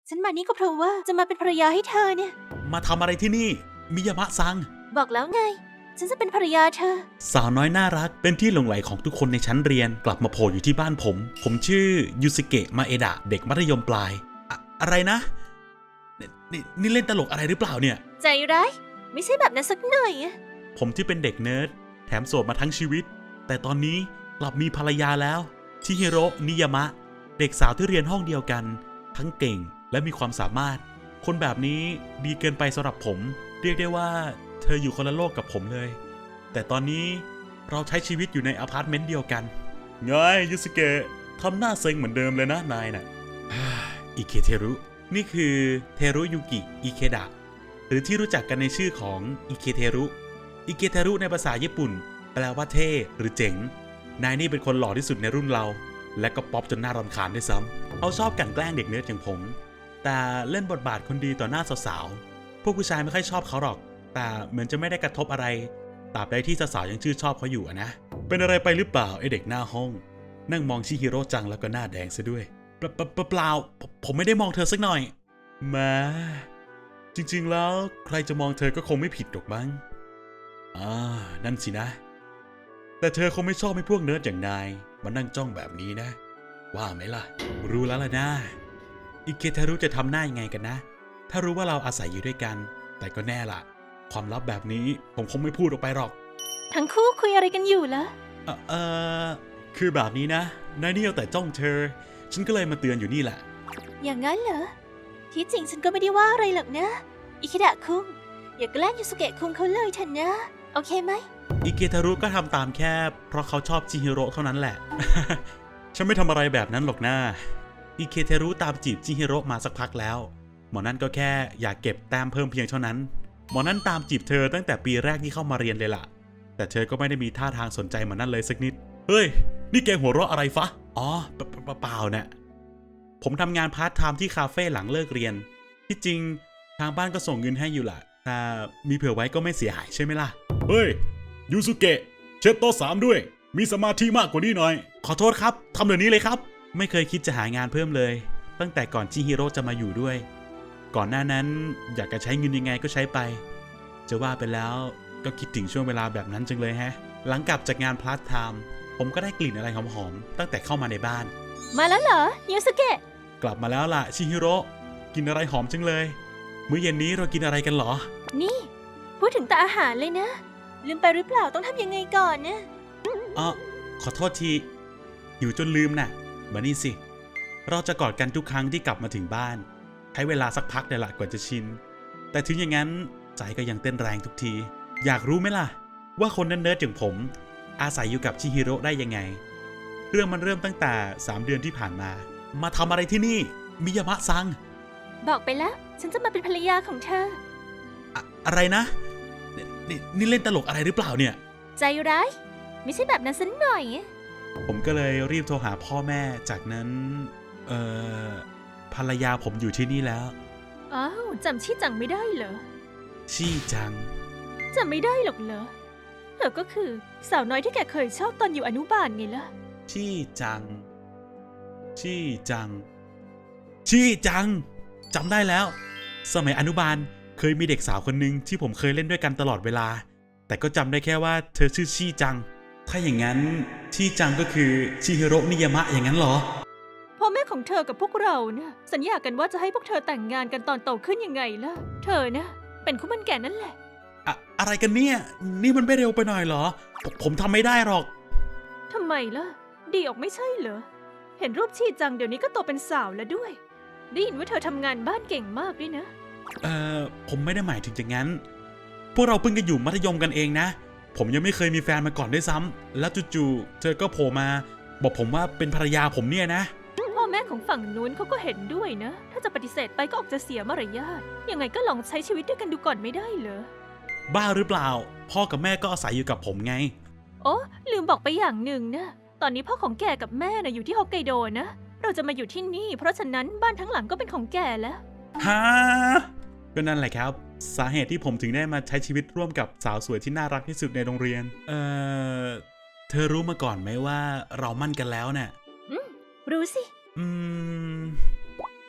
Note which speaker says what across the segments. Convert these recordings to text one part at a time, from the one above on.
Speaker 1: ฉันมานี่ก็เพราะว่าจะมาเป็นภรรยาให้เธอเนี่ย
Speaker 2: มาทำอะไรที่นี่ มิยามะซัง
Speaker 1: บอกแล้วไง ฉันจะเป็นภรรยาเธอ
Speaker 2: สาวน้อยน่ารักเป็นที่หลงใหลของทุกคนในชั้นเรียนกลับมาโผล่อยู่ที่บ้านผมชื่อยูสเกะมาเอดะเด็กมัธยมปลายอะไรนะนี่เล่นตลกอะไรหรือเปล่าเนี่ย
Speaker 1: ใจร้ายไม่ใช่แบบนั้นสักหน่อยอะ
Speaker 2: ผมที่เป็นเด็กเนิร์ดแถมโสดมาทั้งชีวิตแต่ตอนนี้กลับมีภรรยาแล้วชิฮิโร่นิยามะเด็กสาวที่เรียนห้องเดียวกันทั้งเก่งและมีความสามารถคนแบบนี้ดีเกินไปสำหรับผมเรียกได้ว่าเธออยู่คนละโลกกับผมเลยแต่ตอนนี้เราใช้ชีวิตอยู่ในอพาร์ตเมนต์เดียวกันไงยูสเกะทำหน้าเซ็งเหมือนเดิมเลยนะนายน่ะ อิเคเทรุนี่คือเทรุยุกิอิเคดะหรือที่รู้จักกันในชื่อของอิเคเทรุอิเคเทรุในภาษาญี่ปุ่นแปลว่าเท่หรือเจ๋งนายนี่เป็นคนหล่อที่สุดในรุ่นเราและก็ป๊อปจนน่ารำคาญด้วยซ้ำเขาชอบกลั่นแกล้งเด็กเนิร์ดอย่างผมแต่เล่นบทบาทคนดีต่อหน้าสาวๆพวกผู้ชายไม่ค่อยชอบเขาหรอกแต่เหมือนจะไม่ได้กระทบอะไรตราบใดที่สาวๆยังชื่นชอบเขาอยู่นะเป็นอะไรไปหรือเปล่าไอเด็กหน้าห้องนั่งมองชิฮิโร่จังแล้วก็หน้าแดงซะด้วยเปล่าผมไม่ได้มองเธอสักหน่อยแม้จริงๆแล้วใครจะมองเธอก็คงไม่ผิดหรอกมั้งนั่นสินะแต่เธอคงไม่ชอบให้พวกเนิร์ดอย่างนายมานั่งจ้องแบบนี้นะว่าไหมล่ะรู้แล้วล่ะนะอิเคทารุจะทำหน้ายังไงกันนะถ้ารู้ว่าเราอาศัยอยู่ด้วยกันแต่ก็แน่ล่ะความลับแบบนี้ผมคงไม่พูดออกไปหรอก
Speaker 1: ทั้งคู่คุยอะไรกันอยู่ล่ะ
Speaker 2: คือแบบนี้นะนายนี่เอาแต่จ้องเธอฉันก็เลยมาเตือนอยู่นี่แหละ
Speaker 1: อย่างนั้นเหรอ ที่จริงฉันก็ไม่ได้ว่าอะไรหรอกนะ อิคิดะคุงอย่าแกล้งยูสุเกะคุงเขาเลยเถอะนะ โอเคไหม
Speaker 2: อิเกทารุก็ทำตามแค่เพราะเขาชอบจิฮิโร่เท่านั้นแหละ ฉันไม่ทำอะไรแบบนั้นหรอกนะอิเคทารุตามจีบจิฮิโร่มาสักพักแล้วหมอนั่นก็แค่อยากเก็บแต้มเพิ่มเพียงเท่านั้นหมอนั่นตามจีบเธอตั้งแต่ปีแรกที่เข้ามาเรียนเลยล่ะแต่เธอก็ไม่ได้มีท่าทางสนใจหมอนั่นเลยสักนิดเฮ้ยนี่แกหัวเราะอะไรฟะอ๋อเปล่าเนี่ยผมทำงานพาร์ทไทม์ที่คาเฟ่หลังเลิกเรียนที่จริงทางบ้านก็ส่งเงินให้อยู่ล่ะแต่มีเผื่อไว้ก็ไม่เสียหายใช่ไหมล่ะเฮ้ยยูสุเกะเช็ดโต๊ะ3ด้วยมีสมาธิมากกว่านี้หน่อยขอโทษครับทำเดี๋ยวนี้เลยครับไม่เคยคิดจะหางานเพิ่มเลยตั้งแต่ก่อนจิฮิโร่จะมาอยู่ด้วยก่อนหน้านั้นอยากจะใช้เงินยังไงก็ใช้ไปจะว่าไปแล้วก็คิดถึงช่วงเวลาแบบนั้นจังเลยฮะหลังกลับจากงานพาร์ทไทม์ผมก็ได้กลิ่นอะไรหอมๆตั้งแต่เข้ามาในบ้าน
Speaker 1: มาแล้วเหรอยูสุเกะ
Speaker 2: กลับมาแล้วล่ะชิฮิโร่กินอะไรหอมจังเลยมื้อเย็นนี้เรากินอะไรกันเหรอ
Speaker 1: นี่พูดถึงแต่อาหารเลยนะลืมไปหรือเปล่าต้องทำยังไงก่อนนะ
Speaker 2: ขอโทษทีหิวจนลืมน่ะมานี่สิเราจะกอดกันทุกครั้งที่กลับมาถึงบ้านใช้เวลาสักพักเดี๋ยวละกว่าจะชินแต่ถึงอย่างนั้นใจก็ยังเต้นแรงทุกทีอยากรู้ไหมล่ะว่าคนเนิร์ดๆอย่างผมอาศัยอยู่กับชิฮิโร่ได้ยังไงเรื่องมันเริ่มตั้งแต่3 เดือนที่ผ่านมาทำอะไรที่นี่มิยามะซัง
Speaker 1: บอกไปแล้วฉันจะมาเป็นภรรยาของเธอ
Speaker 2: อะไรนะนี่เล่นตลกอะไรหรือเปล่าเนี่ย
Speaker 1: ใจร้ายไม่ใช่แบบนั้นสักหน่อย
Speaker 2: ผมก็เลยรีบโทรหาพ่อแม่จากนั้นภรรยาผมอยู่ที่นี่แล้ว
Speaker 1: อ้าวจำชี่จังไม่ได้เหรอ
Speaker 2: ชี่จัง
Speaker 1: จำไม่ได้หรอกเหรอเธอก็คือสาวน้อยที่แกเคยชอบตอนอยู่อนุบาลไงล่ะ
Speaker 2: ชี่จังจำได้แล้วสมัยอนุบาลเคยมีเด็กสาวคนหนึ่งที่ผมเคยเล่นด้วยกันตลอดเวลาแต่ก็จำได้แค่ว่าเธอชื่อชี่จังถ้าอย่างนั้นชี่จังก็คือชิฮิโร่นิยามะอย่างนั้นเหรอ
Speaker 1: พ่อแม่ของเธอกับพวกเรานะสัญญากันว่าจะให้พวกเธอแต่งงานกันตอนโตขึ้นยังไงล่ะเธอนะเป็นคู่มั่นแก่นั่นแหละ
Speaker 2: อะไรกันเนี่ยนี่มันไม่เร็วไปหน่อยเหรอผมทำไม่ได้หรอก
Speaker 1: ทำไมล่ะดีออกไม่ใช่เหรอเห็นรูปชี่จังเดี๋ยวนี้ก็โตเป็นสาวแล้วด้วยได้ยินว่าเธอทำงานบ้านเก่งมากด้วยนะ
Speaker 2: ผมไม่ได้หมายถึงอย่างนั้นพวกเราเพิ่งจะอยู่มัธยมกันเองนะผมยังไม่เคยมีแฟนมาก่อนด้วยซ้ำแล้วจู่ๆเธอก็โผล่มาบอกผมว่าเป็นภรรยาผมเนี่ยนะ
Speaker 1: พ่อแม่ของฝั่งนู้นเขาก็เห็นด้วยนะถ้าจะปฏิเสธไปก็ออกจะเสียมารยาทยังไงก็ลองใช้ชีวิตด้วยกันดูก่อนไม่ได้เหรอ
Speaker 2: บ้าหรือเปล่าพ่อกับแม่ก็อาศัยอยู่กับผมไง
Speaker 1: โอ้ลืมบอกไปอย่างหนึ่งนะตอนนี้พ่อของแกกับแม่น่ะอยู่ที่ฮอกไกโดนะเราจะมาอยู่ที่นี่เพราะฉะนั้นบ้านทั้งหลังก็เป็นของแกแล้ว
Speaker 2: ฮะก็นั่นแหละครับสาเหตุที่ผมถึงได้มาใช้ชีวิตร่วมกับสาวสวยที่น่ารักที่สุดในโรงเรียนเธอรู้มาก่อนไหมว่าเรามั่นกันแล้วเนี่ย
Speaker 1: รู้สิ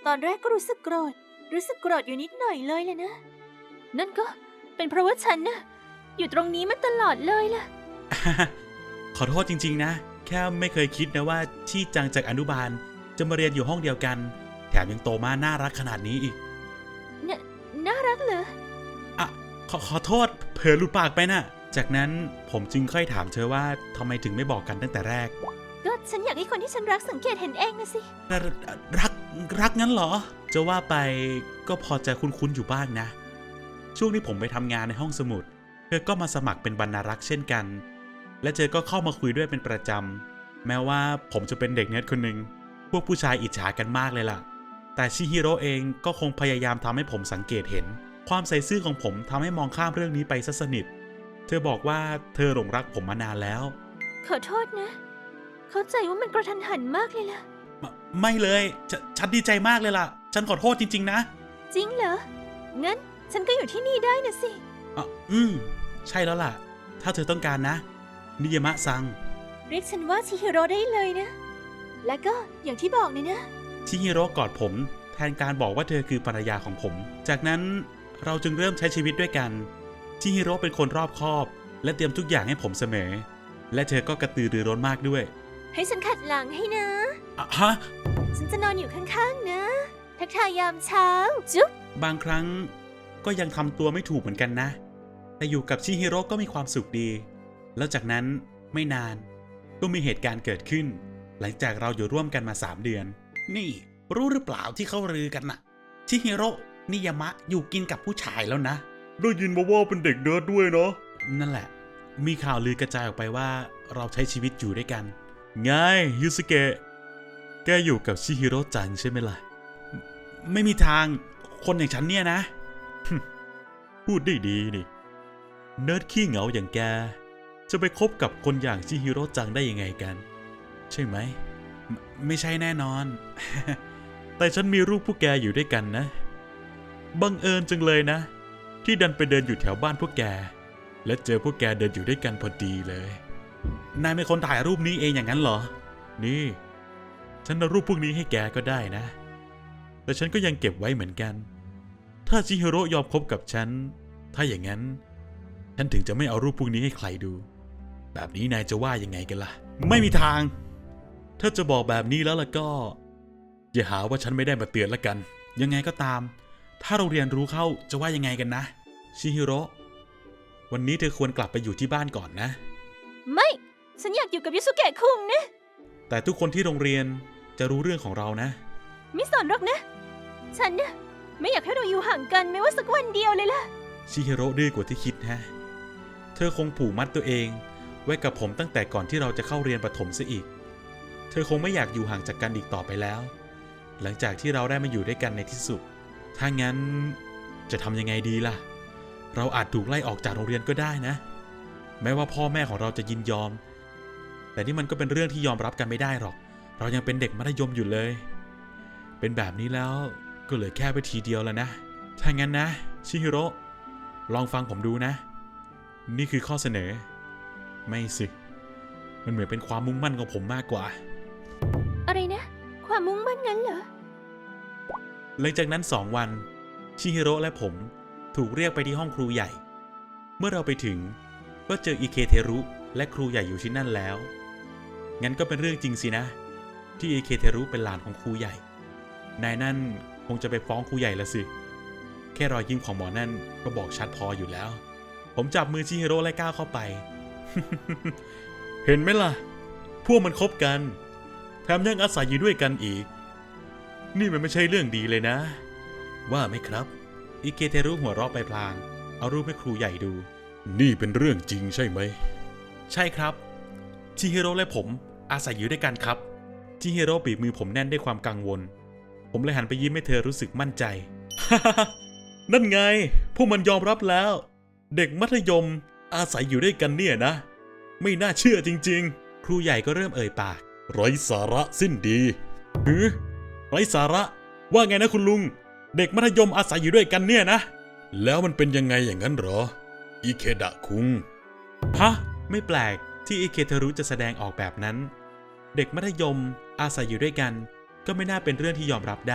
Speaker 1: ตอนแรกก็รู้สึกโกรธอยู่นิดหน่อยเลยแหละนะ นั่นก็เป็นเพราะว่าฉันนะอยู่ตรงนี้มาตลอดเลยล่ะ
Speaker 2: ขอโทษจริงๆนะ แค่ไม่เคยคิดนะว่าชี่จังจากอนุบาลจะมาเรียนอยู่ห้องเดียวกัน แถมยังโตมาน่ารักขนาดนี้อีก
Speaker 1: น่ารักเหรอ
Speaker 2: อ่ะขอโทษเผลอหลุดปากไปน่ะ จากนั้นผมจึงค่อยถามเธอว่าทำไมถึงไม่บอกกันตั้งแต่แรก
Speaker 1: ก็ฉันอยากให้คนที่ฉันรักสังเกตเห็นเองนะสิ
Speaker 2: รักงั้นเหรอ จะว่าไปก็พอจะคุ้นๆอยู่บ้างนะ ช่วงนี้ผมไปทำงานในห้องสมุดเธอก็มาสมัครเป็นบรรณารักษ์เช่นกัน และเธอก็เข้ามาคุยด้วยเป็นประจำแม้ว่าผมจะเป็นเด็กเนิร์ดคนหนึ่งพวกผู้ชายอิจฉากันมากเลยล่ะแต่ชิฮิโร่เองก็คงพยายามทำให้ผมสังเกตเห็นความใส่ซื่อของผมทำให้มองข้ามเรื่องนี้ไปซะสนิทเธอบอกว่าเธอหลงรักผมมานานแล้ว
Speaker 1: ขอโทษนะ เข้าใจว่ามันกระทันหันมากเลยล่ะ
Speaker 2: ไม่เลยฉันดีใจมากเลยล่ะฉันขอโทษจริงๆนะ
Speaker 1: จริงเหรอ งั้นฉันก็อยู่ที่นี่ได้นะสิ
Speaker 2: ใช่แล้วล่ะถ้าเธอต้องการนะนิยามะซัง
Speaker 1: เรียกฉันว่าชิฮิโร่ได้เลยนะ และก็อย่างที่บอกเลยนะ
Speaker 2: ชิฮิโร่กอดผมแทนการบอกว่าเธอคือภรรยาของผม จากนั้นเราจึงเริ่มใช้ชีวิตด้วยกันชิฮิโร่เป็นคนรอบคอบและเตรียมทุกอย่างให้ผมเสมอและเธอก็กระตือรือร้นมากด้วย
Speaker 1: ให้ฉันขัดหลังให้นะ
Speaker 2: ฮะ
Speaker 1: ฉันจะนอนอยู่ข้างๆนะ ทักทายยามเช้า จุ๊บบ
Speaker 2: างครั้งก็ยังทำตัวไม่ถูกเหมือนกันนะแต่อยู่กับชิฮิโร่ก็มีความสุขดีแล้วจากนั้นไม่นานก็มีเหตุการณ์เกิดขึ้นหลังจากเราอยู่ร่วมกันมา3 เดือนนี่รู้หรือเปล่าที่เขาลือกันน่ะชิฮิโร่นิยามะอยู่กินกับผู้ชายแล้วนะได้ยินมาว่าเป็นเด็กเนิร์ดด้วยเนาะนั่นแหละมีข่าวลือกระจายออกไปว่าเราใช้ชีวิตอยู่ด้วยกันไงยูสเกะแกอยู่กับชิฮิโร่จังใช่ไหมล่ะไม่มีทางคนอย่างฉันเนี่ยนะ พูดได้ดีนี่เนิร์ดขี้เหงาอย่างแกจะไปคบกับคนอย่างชิฮิโร่จังได้ยังไงกันใช่ไหมไม่ใช่แน่นอน แต่ฉันมีรูปพวกแกอยู่ด้วยกันนะบังเอิญจังเลยนะที่ดันไปเดินอยู่แถวบ้านพวกแกและเจอพวกแกเดินอยู่ด้วยกันพอดีเลยนายเป็นคนถ่ายรูปนี้เองอย่างนั้นเหรอนี่ฉันเอารูปพวกนี้ให้แกก็ได้นะแต่ฉันก็ยังเก็บไว้เหมือนกันถ้าชิฮิโร่ยอมคบกับฉันถ้าอย่างนั้นฉันถึงจะไม่เอารูปพวกนี้ให้ใครดูแบบนี้นายจะว่ายังไงกันล่ะไม่มีทางถ้าจะบอกแบบนี้แล้วล่ะก็อย่าหาว่าฉันไม่ได้มาเตือนละกันยังไงก็ตามถ้าเราเรียนรู้เข้าจะว่ายังไงกันนะชิฮิโร่วันนี้เธอควรกลับไปอยู่ที่บ้านก่อนนะ
Speaker 1: ไม่ ฉันอยากอยู่กับยูสุเกะคุงนะ
Speaker 2: แต่ทุกคนที่โรงเรียนจะรู้เรื่องของเรานะ
Speaker 1: ไม่สนหรอกนะ ฉันนะไม่อยากให้เราอยู่ห่างกันแม้ว่าสักวันเดียวเลยล่ะ
Speaker 2: ชิฮิโร่ดื้อกว่าที่คิดฮะเธอคงผูกมัดตัวเองไว้กับผมตั้งแต่ก่อนที่เราจะเข้าเรียนประถมซะอีกเธอคงไม่อยากอยู่ห่างจากกันอีกต่อไปแล้วหลังจากที่เราได้มาอยู่ด้วยกันในที่สุดถ้างั้นจะทำยังไงดีล่ะเราอาจถูกไล่ออกจากโรงเรียนก็ได้นะแม้ว่าพ่อแม่ของเราจะยินยอมแต่นี่มันก็เป็นเรื่องที่ยอมรับกันไม่ได้หรอกเรายังเป็นเด็กมัธยมอยู่เลยเป็นแบบนี้แล้วก็เหลือแค่วิธีเดียวแล้วนะถ้างั้นนะชิฮิโร่ลองฟังผมดูนะนี่คือข้อเสนอไม่สิมันเหมือนเป็นความมุ่งมั่นของผมมากกว่า
Speaker 1: อะไรนะความมุ่งมั่นงั้นเหรอ
Speaker 2: หลังจากนั้น2 วันชิฮิโร่และผมถูกเรียกไปที่ห้องครูใหญ่เมื่อเราไปถึงก็เจออิเคเทรุและครูใหญ่อยู่ที่นั่นแล้วงั้นก็เป็นเรื่องจริงสินะที่อิเคเทรุเป็นหลานของครูใหญ่นายนั่นคงจะไปฟ้องครูใหญ่ละสิแค่รอยยิ้มของหมอนั่นก็บอกชัดพออยู่แล้วผมจับมือชิฮิโร่และก้าวเข้าไป เห็นไหมล่ะพวกมันคบกันแถมยังอาศัยอยู่ด้วยกันอีกนี่มันไม่ใช่เรื่องดีเลยนะว่าไหมครับอิเกเทรุหัวเราะไปพลางเอารูปให้ครูใหญ่ดูนี่เป็นเรื่องจริงใช่ไหมใช่ครับชิฮิโร่และผมอาศัยอยู่ด้วยกันครับชิฮิโร่บีบมือผมแน่นด้วยความกังวลผมเลยหันไปยิ้มให้เธอรู้สึกมั่นใจ นั่นไงพวกมันยอมรับแล้วเด็กมัธยมอาศัยอยู่ด้วยกันเนี่ยนะไม่น่าเชื่อจริงๆครูใหญ่ก็เริ่มเอ่ยปากไร้สาระสิ้นดีไร้สาระว่าไงนะคุณลุงเด็กมัธยมอาศัยอยู่ด้วยกันเนี่ยนะแล้วมันเป็นยังไงอย่างนั้นเหรออิเคดะคุงฮะไม่แปลกที่อิเคเทรุจะแสดงออกแบบนั้นเด็กมัธยมอาศัยอยู่ด้วยกันก็ไม่น่าเป็นเรื่องที่ยอมรับได้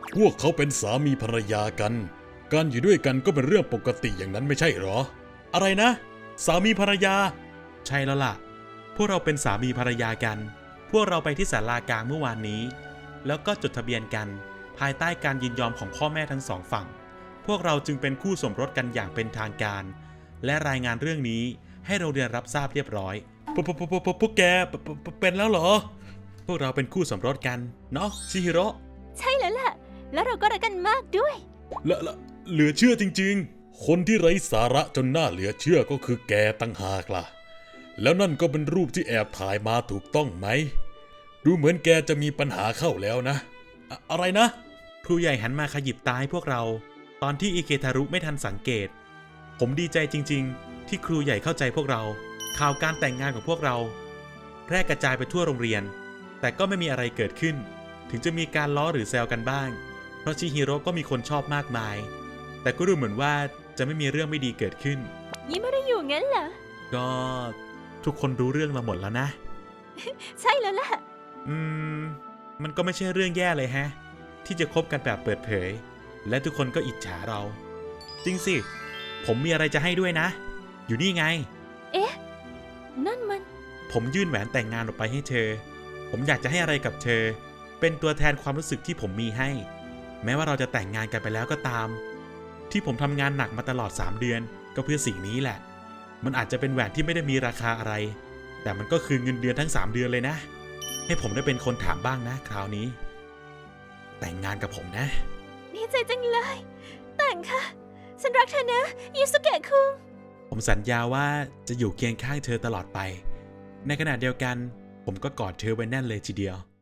Speaker 3: พวกเขาเป็นสามีภรรยากัน การอยู่ด้วยกันก็เป็นเรื่องปกติอย่างนั้นไม่ใช่หรอ
Speaker 2: อะไรนะ สามีภรรยา ใช่แล้วล่ะ พวกเราเป็นสามีภรรยากัน พวกเราไปที่ศาลากลางเมื่อวานนี้ แล้วก็จดทะเบียนกัน ภายใต้การยินยอมของพ่อแม่ทั้งสองฝั่ง พวกเราจึงเป็นคู่สมรสกันอย่างเป็นทางการ และรายงานเรื่องนี้ให้โรงเรียนรับทราบเรียบร้อยพวกแกเป็นแล้วเหรอ พวกเราเป็นคู่สมรสกันเนาะชิฮิโร่
Speaker 1: ใช่แล้วล่ะ แล้วเราก็รักกันมากด้วย
Speaker 3: และเหลือเชื่อจริงๆ คนที่ไร้สาระจนน่าเหลือเชื่อก็คือแกตั้งหากล่ะ แล้วนั่นก็เป็นรูปที่แอบถ่ายมาถูกต้องไหม ดูเหมือนแกจะมีปัญหาเข้าแล้วนะ
Speaker 2: อะไรนะ ครูใหญ่หันมาขยิบตาให้พวกเรา ตอนที่อิเกทารุไม่ทันสังเกต ผมดีใจจริงๆ ที่ครูใหญ่เข้าใจพวกเรา ข่าวการแต่งงานของพวกเราแพร่กระจายไปทั่วโรงเรียน แต่ก็ไม่มีอะไรเกิดขึ้น ถึงจะมีการล้อหรือแซวกันบ้าง เพราะชิฮิโร่ก็มีคนชอบมากมาย แต่ก็ดูเหมือนว่าจะไม่มีเรื่องไม่ดีเกิดขึ้น
Speaker 1: ยิ้มไม่ได้อยู่งั้นเหรอ
Speaker 2: ก็ทุกคนรู้เรื่องเราหมดแล้วนะ
Speaker 1: ใช่แล้วล่ะ
Speaker 2: มันก็ไม่ใช่เรื่องแย่เลยแฮะ ที่จะคบกันแบบเปิดเผย และทุกคนก็อิจฉาเรา จริงสิ ผมมีอะไรจะให้ด้วยนะ อยู่นี่ไง
Speaker 1: เอ๊ะ นั่นมัน
Speaker 2: ผมยื่นแหวนแต่งงานออกไปให้เธอ ผมอยากจะให้อะไรกับเธอ เป็นตัวแทนความรู้สึกที่ผมมีให้ แม้ว่าเราจะแต่งงานกันไปแล้วก็ตาม ที่ผมทำงานหนักมาตลอด3 เดือน ก็เพื่อสิ่งนี้แหละ มันอาจจะเป็นแหวนที่ไม่ได้มีราคาอะไร แต่มันก็คือเงินเดือนทั้ง3 เดือนเลยนะ ให้ผมได้เป็นคนถามบ้างนะคราวนี้ แต่งงานกับผมนะ
Speaker 1: ดีใจจังเลย แต่งค่ะ ฉันรักเธอนะยูสุเกะคุง
Speaker 2: ผมสัญญาว่าจะอยู่เคียงข้างเธอตลอดไป ในขณะเดียวกัน ผมก็กอดเธอไว้แน่นเลยทีเดียว